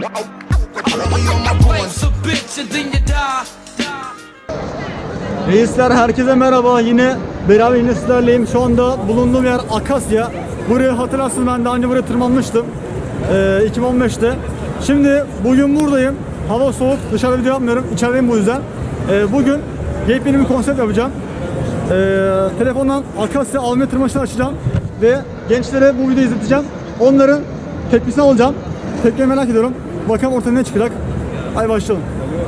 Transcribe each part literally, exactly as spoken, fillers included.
Reisler herkese merhaba. Yine beraber yine sizlerleyim. Şu anda bulunduğum yer Akasya. Buraya hatırlarsınız, ben daha önce buraya tırmanmıştım. Ee, iki bin on beşte. Şimdi bugün buradayım. Hava soğuk. Dışarıda video yapmıyorum. İçerideyim bu yüzden. Ee, bugün yepyeni bir konsept yapacağım. Ee, telefondan Akasya Almanya tırmanışını açacağım. Ve gençlere bu videoyu izleteceğim. Onların tepkisini alacağım. Tepkiyi merak ediyorum. Bakalım ortaya ne çıkacak. Hadi başlayalım.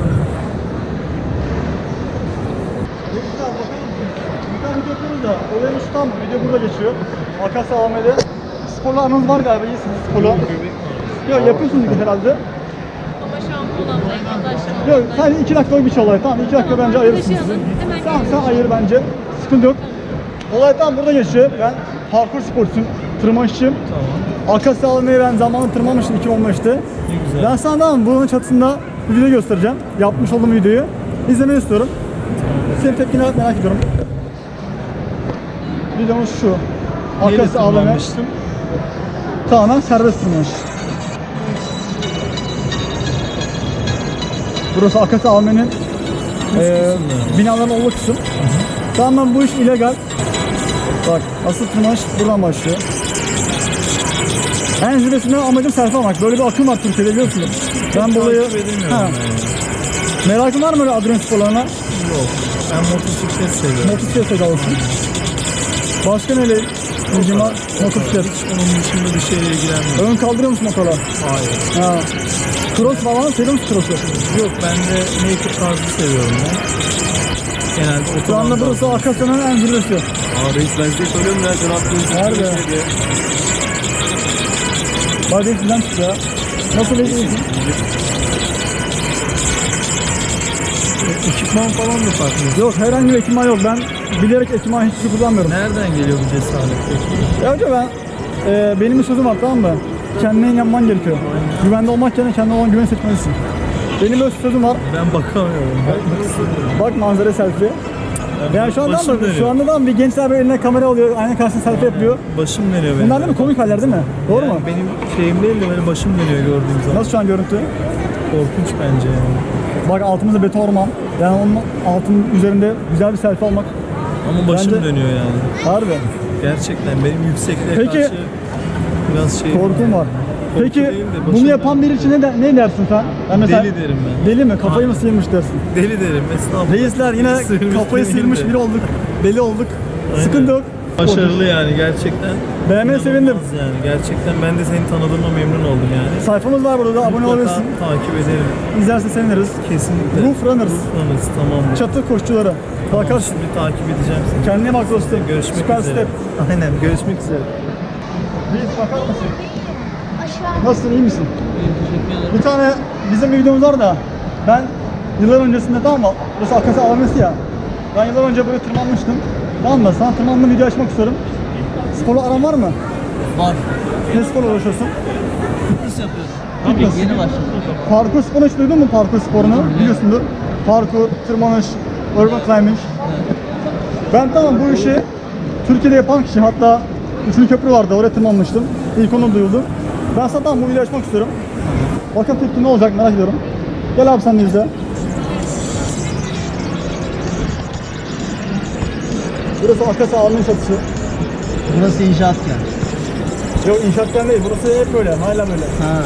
Video yapıyoruz da olayımız tam video burada geçiyor. Akasya A V M'de. Sporla anınız var galiba, iyisiniz sporla. Yok, yapıyorsunuz herhalde. Ama şu an kullanmayı başladım. Yok, sadece iki dakikalık bir şey olay. Tamam, iki dakika bence ayırırsın sizi. Tamam, sen ayır bence. Sıkıntı yok. Olay tam burada geçiyor. Ben parkur sporcusuyum, tırmanışçıyım. Tamam. Akasya A V M'ye ben zamanında tırmanmıştım iki bin on beşte. Ben sana tamam buranın çatısında bir video göstereceğim. Yapmış olduğum videoyu. İzlemeni istiyorum. Senin tepkini merak ediyorum. Videomuz şu. Akasya A V M. Tamamen serbest tırmanış. Burası Akasya A V M'nin e, binaların olduğu kısım. Tamamen bu iş illegal. Bak, asıl tırmanış buradan başlıyor. En zirvesinde amacım selfie almak. Böyle bir akım var Türkiye'de, biliyorsunuz. Ben bu olayı... Ha. Merakın var mı öyle adrenalin sporlarına? Yok. Ben motosiklet seviyorum. Motosiklet sevdalısın. Başka neyle ilgin var? Motosiklet. Onun dışında bir şeyle ilgilenmiyorum. Ön kaldırıyor musun motora? Hayır. Ha. Cross falan seviyor musun cross'u? Yok, ben de naked tarzı seviyorum ben. Genelde otoban. Şu anda burası Akasya'nın en zirvesi. Aa reis, ben size söylüyorum ya, sen attığın Nerede? Bak reis bizden çıktı ya. Nasıl bekliyorsun? Ekipman falan mı farklı? Yok, herhangi bir ekipman yok. Ben bilerek ekipman hiç şey kullanmıyorum. Nereden geliyor bu cesaret peki? Ya önce ben, e, benim bir sözüm var, tamam mı? Kendine inanman gerekiyor. Güvende olmak yerine kendine olan güven seçmelisin. Benim böyle sözüm var. Ben bakamıyorum. Bakmak istemiyorum. Bak manzara selfie. Yani Yani şu anda başım ama dönüyor. şu anda da bir gençler böyle eline kamera alıyor, ayna karşısında selfie yapıyor. Başım dönüyor benim. Bunlar değil mi komik haller değil mi? Doğru Yani mu? benim şeyim değil de benim başım dönüyor gördüğüm zaman. Nasıl şu an görüntü? Korkunç bence yani. Bak altımızda beton orman. Yani onun altının üzerinde güzel bir selfie almak. Ama başım Bence- dönüyor yani. Harbi. Gerçekten benim yüksekliğe Peki- karşı biraz şey Korkum var. Korku Peki değil de bunu başım yapan biri için ne, de, ne dersin sen? Ben mesela, Deli derim ben. Deli mi? Kafayı mı sıyırmış dersin? Deli derim estağfurullah. Reisler yine Sıyırmış kafayı demeyeyim sıyırmış de. biri olduk. Deli olduk. Aynen. Sıkıntı yok. Başarılı yani gerçekten. Beğenmene sevindim. İnanılmaz Yani gerçekten ben de seni tanıdığıma memnun oldum yani. Sayfamız var burada, abone Mutlaka olabilirsin. takip ederim. İzlersen seviniriz. Kesinlikle. Roof Runners. Roof Runners, tamamdır. Çatı koşucuları. Tamam, Bakarsın. şimdi takip edeceğim seni. Kendine bak dostum. Görüşmek Süper üzere. step. Aynen, görüşmek üzere. Reis bakar mısın? Aşağı. Nasılsın, iyi misin? Teşekkür ederim. Bir tane bizim bir videomuz var da ben yıllar öncesinde, tamam mı? Burası Akasya A V M'si ya. Ben yıllar önce böyle tırmanmıştım. Tamam mı? Sana tırmanma video açmak istiyorum. Sporla aran var mı? Var. Ne sporla uğraşıyorsun? Fitness yapıyorum. Fitness. Yeni başladım. Parkur sporunu hiç duydun mu, parkur sporunu? Biliyorsundur. Parkur, tırmanış, urban climbing. Ben tamam bu işi Türkiye'de yapan kişi, hatta Üçlü Köprü vardı, oraya tırmanmıştım. İlk onu duyuldu. Ben sana tamam bu videoyu açmak istiyorum. Bakın tepki ne olacak merak ediyorum. Gel abi sen de izle. Burası Akasya A V M çatısı. Burası inşaatken. Yok, inşaattan değil, burası hep böyle, hala böyle. Ha.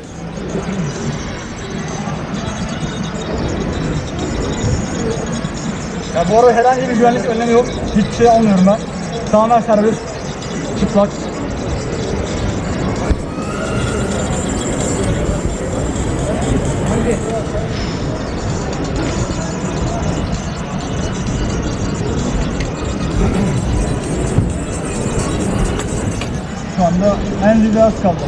Ya bu arada herhangi bir güvenlik önlemi yok. Hiçbir şey almıyorum ben. Tamamen serbest. Çıplak. Şu anda en zirve az kaldı.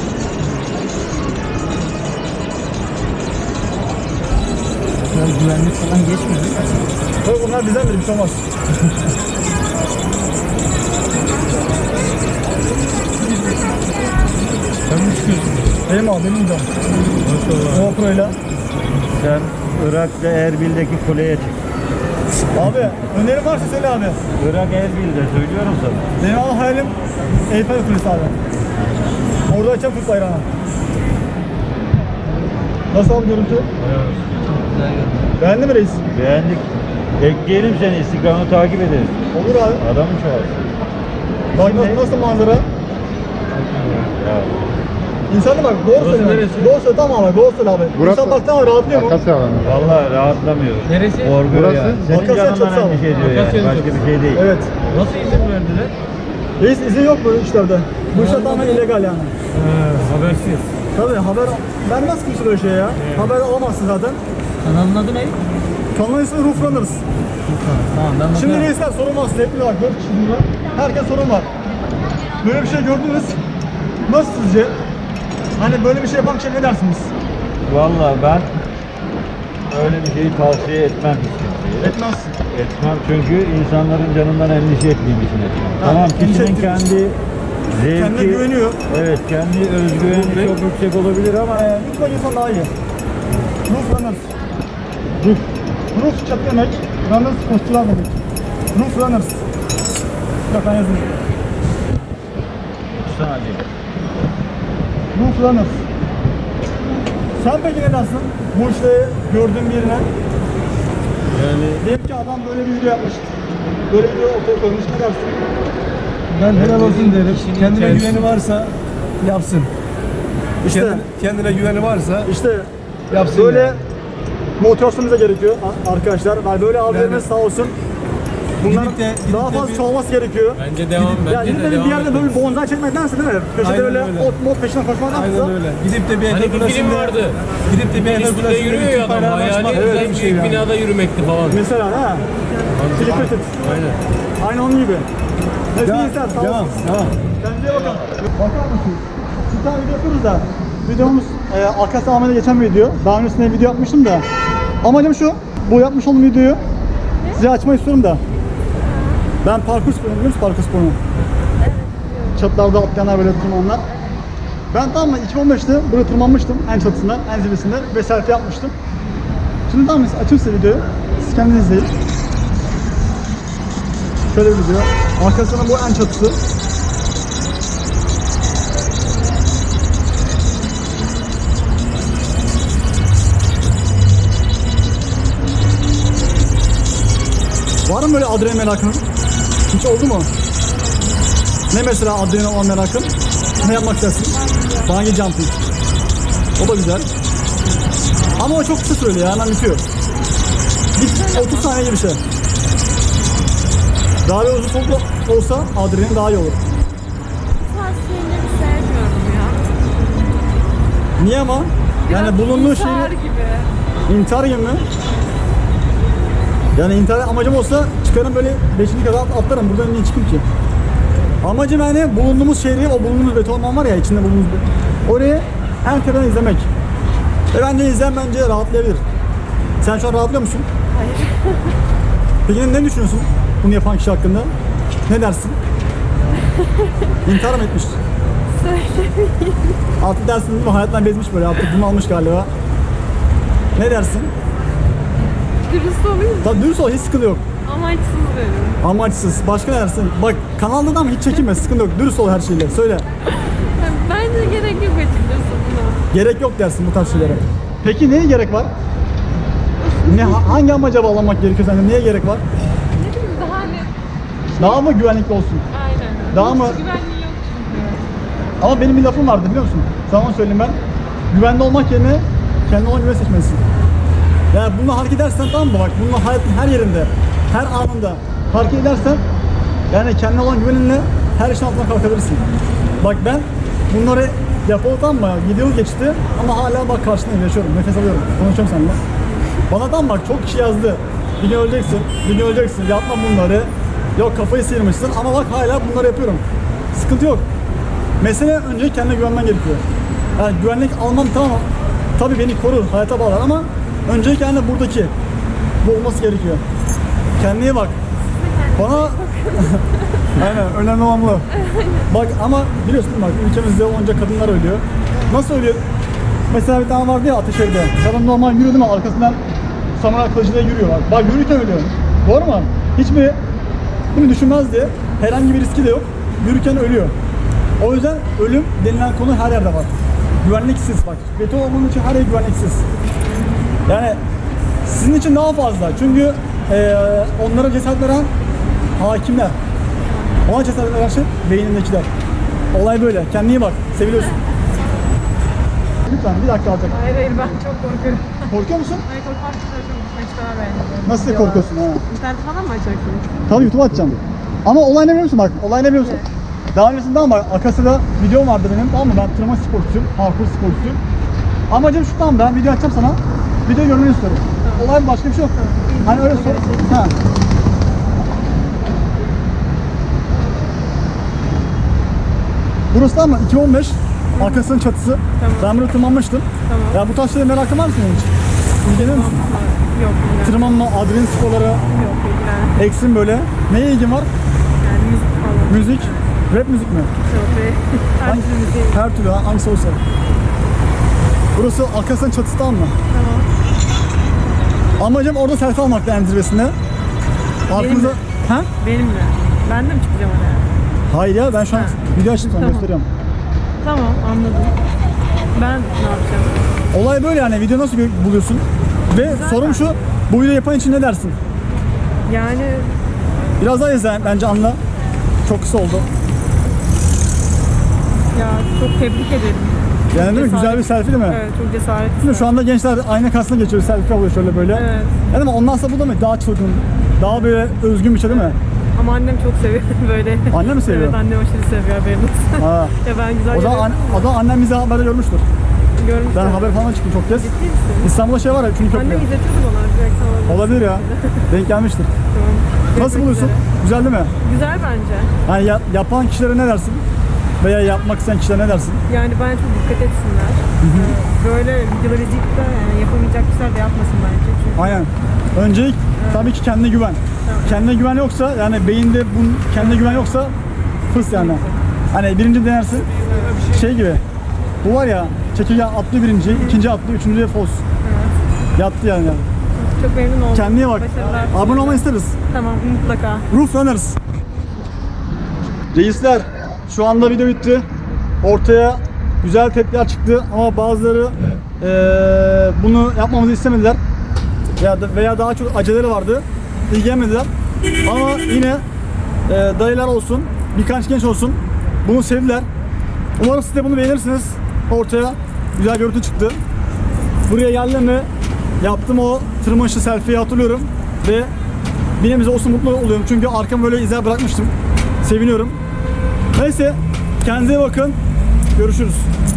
Böyle güvenlik falan geçmiyor. Tabii bunlar bizden bir şey olmaz. Sen mi çıkıyorsun? Benim abi, benim canım. Maşallah. GoPro'yla. Sen Irak'ta Erbil'deki kuleye çık. Abi önerim varsa söyle abi. Irak Erbil'de söylüyorum sana. Benim abi hayalim Eyfel Kulesi abi. Orada açacağım Türk bayrağını. Nasıl abi görüntü? Güzel görünüyor. Beğendin mi reis? Beğendik. Ekleyelim seni, Instagram'ı takip ederiz. Olur abi. Adamı çağır. Bak nasıl, nasıl manzara? Ya. İnsanı bak doğru söyle. neresi? Doğru söyle tamam abi. Doğru söyle abi. Burası- İnsan baksana rahatlıyor mu? Akasya alanı. Vallahi rahatlamıyoruz. Neresi? Korkuyor Burası- ya. Senin Akasya çok canından sağ ol. endişe ediyor yani. Akasya'nın Başka çok- bir şey değil. Evet. Nasıl izin verdiler? Reis izin yok bu işlerde. Bu işler tamamen illegal yani. He, habersiz. Tabii haber vermez kimse böyle şey ya. Haber alamazsın zaten. Kanalın adı ne? Kanalın ismi Roof Runners. Tamam ben Şimdi bakarım. reisler sorun var size. Hep bir var. Dört kişi burada. Herkes sorun var. Böyle bir şey gördünüz. Nasıl sizce? Hani böyle bir şey yapan şey ne dersiniz? Vallahi ben öyle bir şeyi tavsiye etmem hiç kimseye. Etmez. Etmem çünkü insanların canından endişe ettiğim için etmem. Ha, Tamam endişe kişinin ettiğim kendi zevki... Kendine güveniyor. Evet kendi özgüveni çok yüksek olabilir ama Ee, lütfen insan daha iyi. Roof Runners. Roof. Roof çatı demek. Runners koşucular demek. Roof Runners. Bak ben yazayım. saniye. Roof Runners. Sen peki ne dersin? Bu işte gördüğün birine. Yani Diyelim ki adam böyle bir video yapmış. Böyle bir video ortaya koymuş. Ne dersin? Ben helal olsun derim. kişinin Kendine kendisi- güveni varsa yapsın. İşte, Kendine, kendine güveni varsa işte yapsın. böyle yani. motivasyonumuz da gerekiyor a- arkadaşlar. Yani böyle abilerimiz Yani- sağ olsun. Bunların Gidip de- gidip daha de fazla bir- çoğalması gerekiyor. bence devam, Ya bence gidip de de devam bir yerde böyle etmemiz. bir bonzai çekmektense değil mi? Köşede Aynen öyle öyle. ot mod peşinden koşmaktansa. Aynen öyle. Gidip de bir Hani Efe bir film Kulesi'nde vardı. gidip de bir Efe Üstünde Kulesi'nde yürüyor bir ya Türk adam. bayrağı Hayali açmak en güzel bir şey büyük yani. binada yürümekti falan. Mesela ha. Filipinit. Aynen. Aynı onun gibi. Hepsi Devam, insan sağ devam, olsun. devam. Kendinize bakın. Bakar mısınız? Bir tane video yapıyoruz da. Videomuz e, Akasya Ahmet'e geçen bir video. Daha öncesinde video yapmıştım da. Amacım şu. Bu yapmış olduğum videoyu size açmayı istiyorum da. Ben parkur sporunu biliyor musun parkur sporunu? Çatılarda atlayanlar böyle tırmananlar. Ben tamam mı iki bin on beşte buraya tırmanmıştım en çatısına, en zirvesinde ve selfie yapmıştım. Şimdi tamam mı açayım size videoyu. Siz kendiniz izleyin. Şöyle bir video. Arkasına bu en çatısı. Var mı böyle adrenalin merakın? Hiç oldu mu? Ne mesela adrenalin olan merakın? Ne yapmak istersin? Bungee jumping. O da güzel. Ama o çok kısa süreli ya, hemen bitiyor. Bir otuz saniye gibi bir şey. Daha böyle uzun soluklu olsa adrenalin daha iyi olur. Bu tarz şeyleri sevmiyorum ya. Niye ama? Yani bulunduğu şey İntihar gibi. intihar gibi mi? Yani intihar amacım olsa çıkarım böyle beşinci kata at- atlarım. Buradan niye çıkayım ki? Amacım yani bulunduğumuz şehri, o bulunduğumuz betonman var ya içinde bulunduğumuz be- orayı en tepeden izlemek. Ve bence izleyen bence rahatlayabilir. Sen şu an rahatlıyor musun? Hayır. Peki ne düşünüyorsun bunu yapan kişi hakkında? Ne dersin? İntihar mı etmiş? Söylemeyeyim. Artık dersin değil mi? Hayattan bezmiş böyle. Artık bunu almış galiba. Ne dersin? Dürüst olayım mı? Tabii dürüst ol, hiç sıkıntı yok. Amaçsız derim. Amaçsız. Başka ne dersin? Bak kanalda da ama hiç çekinme, sıkıntı yok. Dürüst ol her şeyle. Söyle. Yani bence gerek yok açıkçası buna. Gerek yok dersin bu tarz şeylere. Peki neye gerek var? Ne ha- hangi amaca bağlamak gerekiyor sence? Neye gerek var? Ne bileyim daha hani Daha mı güvenlikli olsun? aynen. Daha Hiç mı- güvenliği yok çünkü. Ama benim bir lafım vardı biliyor musun? Sana söyleyeyim ben. Güvende olmak yerine kendi olan güven seçmelisin. Yani bununla hareket edersen tamam mı? Bak bununla hayatın her yerinde, her anında hareket edersen yani kendine olan güveninle her işin altından kalkabilirsin. Bak ben bunları yapalı tamam mı? yedi yıl geçti ama hala bak karşındayım, yaşıyorum, nefes alıyorum. Konuşuyorum seninle. Bana tam bak çok kişi yazdı. Bir gün öleceksin, bir gün öleceksin, yapma bunları. Yok kafayı sıyırmışsın ama bak hala bunları yapıyorum. Sıkıntı yok. Mesele önce kendine güvenmen gerekiyor. Yani güvenlik almam tamam. Tabii beni korur, hayata bağlar ama önce kendi buradaki bu olması gerekiyor. Kendine iyi bak. Bana aynen önemli olan bu. Bak ama biliyorsun bak ülkemizde onca kadınlar ölüyor. Nasıl ölüyor? Mesela bir tane vardı ya Ateşehir'de. Kadın normal yürüyor değil mi? Arkasından samuray kılıcıyla yürüyor. Bak, bak yürürken ölüyor. Doğru mu? Hiçbir bunu düşünmez diye herhangi bir riski de yok. Yürürken ölüyor. O yüzden ölüm denilen konu her yerde var. güvenliksiz bak. Beton olduğunun için her yer güvenliksiz. Yani sizin için daha fazla. Çünkü eee onlara cesaret veren hakimler. Ona cesaret veren şey beynindekiler. Olay böyle. Kendine iyi bak. Seviliyorsun. Lütfen bir dakika alacak. Hayır hayır ben çok korkuyorum. Korkuyor musun? Hayır korkmak çok gitmek istemem ben. Nasıl korkuyorsun ha? İnternette falan mı açacaksın? Tabii YouTube'a atacağım. Ama olay ne biliyor musun bak? Olay ne biliyor musun? Daha öncesinde ama bak Akasya'da videom vardı benim, tamam mı? Ben tırmanış sporcusuyum, parkur sporcusuyum. Amacım şu, tamam, ben video açacağım sana. Video görmeni istiyorum. Olay başka bir şey yok. Hani öyle sor. Ha. Burası da ama iki bin on beş Akasya'nın çatısı. Tamam. Ben burada tırmanmıştım. Tamam. Ya bu taşlara merakın var mı senin hiç? İlgileniyor musun? Yok ilgilen. Tırmanma, adrenalin sporları, Yok ilgilen. eksim böyle. Neye ilgin var? Yani müzik falan. Müzik, rap müzik mi? Yok be. Her türlü müzik. Her türlü, ha, hangisi olsa. Burası Akasya'nın çatısı, tamam mı? Tamam. Amacım orada selfie almakta en zirvesinde. Aklınıza... mi? Ha? Benimle. Ben de mi çıkacağım oraya? Hayır ya, ben şu an Ha. video açtım sana Tamam. gösteriyorum. Tamam anladım. Ben ne yapacağım? Olay böyle yani, video nasıl gö- buluyorsun? Ve sorum şu, bu videoyu yapan için ne dersin? Yani Biraz daha izle bence, anla. Çok kısa oldu. ya çok tebrik ederim. Yani değil mi? Güzel bir selfie değil mi? Evet çok cesaretli. Değil mi? Şu anda gençler ayna karşısına geçiyor, selfie alıyor şöyle böyle. Evet. Yani ama ondan sonra bu da mı? Daha çılgın, daha böyle özgün bir şey değil mi? Ama annem çok seviyor böyle. Anne mi seviyor? Evet annem aşırı seviyor haberin olsun. Ha. Ya ben güzel O zaman, yerlere- an- o zaman annem bizi haberde görmüştür. görmüştüm. Ben haber falan çıktım çok kez. Ciddi misin? İstanbul'da şey var ya, üçüncü köprü. Annem izletiyordu bana. Direkt sana olabilir. Olabilir ya. Denk gelmiştir. Tamam. Nasıl Görüşmek buluyorsun? üzere. Güzel değil mi? Güzel bence. Yani ya- yapan kişilere ne dersin? Veya yapmak isteyen kişilere ne dersin? Yani bence çok dikkat etsinler. Ee, Böyle videoları izleyip de yani yapamayacak kişiler de yapmasın bence. Çünkü Aynen. Öncelik tabii ki kendine güven. Kendine güven yoksa, yani beyinde bu kendine güven yoksa fıs yani. Hani birinci denersin, şey gibi. Bu var ya, çekirge atlıyor birinci, ikinci atlıyor, üçüncüye fos. Yattı yani. çok memnun oldum. Kendine bak. Başarılar. Abone olmayı isteriz. Tamam mutlaka. Ruh Runners. Reisler, şu anda video bitti. Ortaya güzel tepkiler çıktı ama bazıları eee, bunu yapmamızı istemediler. Ya da, veya daha çok aceleleri vardı. İlgilenmediler. Ama yine eee dayılar olsun, birkaç genç olsun. Bunu sevdiler. Umarım siz de bunu beğenirsiniz. Ortaya güzel görüntü çıktı. Buraya geldim mi yaptım o tırmanışlı selfie'yi hatırlıyorum ve bir nebze olsun mutlu oluyorum çünkü arkamı böyle izler bırakmıştım. Seviniyorum. Neyse, kendinize iyi bakın. Görüşürüz.